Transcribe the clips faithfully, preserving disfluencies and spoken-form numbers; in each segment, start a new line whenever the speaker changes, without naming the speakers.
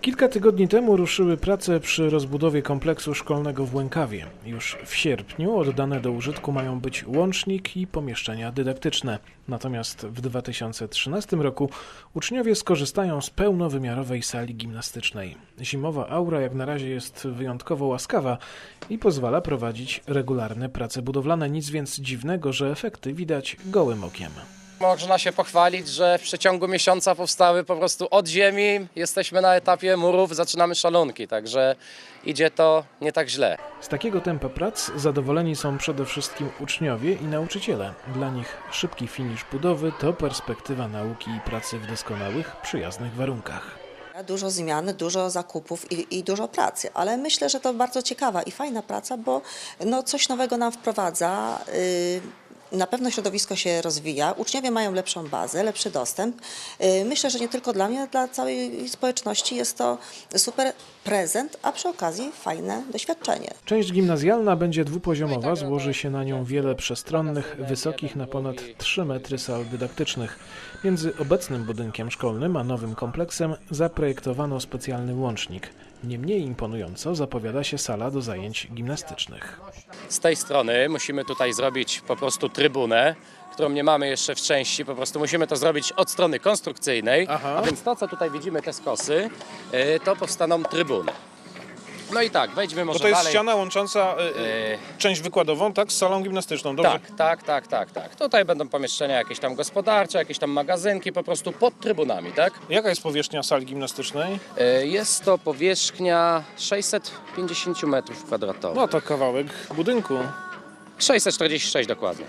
Kilka tygodni temu ruszyły prace przy rozbudowie kompleksu szkolnego w Łękawie. Już w sierpniu oddane do użytku mają być łącznik i pomieszczenia dydaktyczne. Natomiast w dwa tysiące trzynastym roku uczniowie skorzystają z pełnowymiarowej sali gimnastycznej. Zimowa aura jak na razie jest wyjątkowo łaskawa i pozwala prowadzić regularne prace budowlane. Nic więc dziwnego, że efekty widać gołym okiem.
Można się pochwalić, że w przeciągu miesiąca powstały po prostu od ziemi, jesteśmy na etapie murów, zaczynamy szalunki, także idzie to nie tak źle.
Z takiego tempa prac zadowoleni są przede wszystkim uczniowie i nauczyciele. Dla nich szybki finisz budowy to perspektywa nauki i pracy w doskonałych, przyjaznych warunkach.
Dużo zmian, dużo zakupów i, i dużo pracy, ale myślę, że to bardzo ciekawa i fajna praca, bo no, coś nowego nam wprowadza. Yy, Na pewno środowisko się rozwija, uczniowie mają lepszą bazę, lepszy dostęp. Myślę, że nie tylko dla mnie, ale dla całej społeczności jest to super prezent, a przy okazji fajne doświadczenie.
Część gimnazjalna będzie dwupoziomowa, złoży się na nią wiele przestronnych, wysokich na ponad trzy metry sal dydaktycznych. Między obecnym budynkiem szkolnym a nowym kompleksem zaprojektowano specjalny łącznik. Nie mniej imponująco zapowiada się sala do zajęć gimnastycznych.
Z tej strony musimy tutaj zrobić po prostu trybunę, którą nie mamy jeszcze w części, po prostu musimy to zrobić od strony konstrukcyjnej,
Aha.
a więc to, co tutaj widzimy, te skosy, to powstaną trybuny. No i tak, wejdźmy może
Bo to jest
dalej.
ściana łącząca y, y, część wykładową, tak, z salą gimnastyczną, dobrze?
Tak, tak, tak, tak, tak. Tutaj będą pomieszczenia jakieś tam gospodarcze, jakieś tam magazynki, po prostu pod trybunami, tak?
Jaka jest powierzchnia sali gimnastycznej?
E, Jest to powierzchnia sześćset pięćdziesiąt metrów kwadratowych.
No to kawałek budynku,
sześćset czterdzieści sześć dokładnie.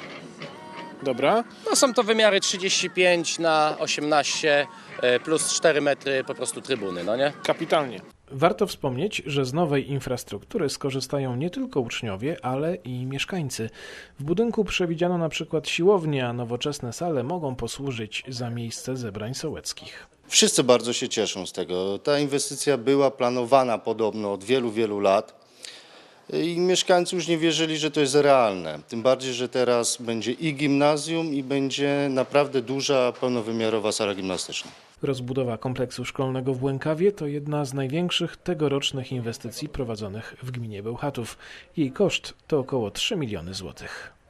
dobra.
No są to wymiary trzydzieści pięć na osiemnaście e, plus cztery metry po prostu trybuny, no nie?
Kapitalnie.
Warto wspomnieć, że z nowej infrastruktury skorzystają nie tylko uczniowie, ale i mieszkańcy. W budynku przewidziano na przykład siłownię, a nowoczesne sale mogą posłużyć za miejsce zebrań sołeckich.
Wszyscy bardzo się cieszą z tego. Ta inwestycja była planowana podobno od wielu, wielu lat i mieszkańcy już nie wierzyli, że to jest realne. Tym bardziej, że teraz będzie i gimnazjum, i będzie naprawdę duża, pełnowymiarowa sala gimnastyczna.
Rozbudowa kompleksu szkolnego w Łękawie to jedna z największych tegorocznych inwestycji prowadzonych w gminie Bełchatów. Jej koszt to około trzy miliony złotych.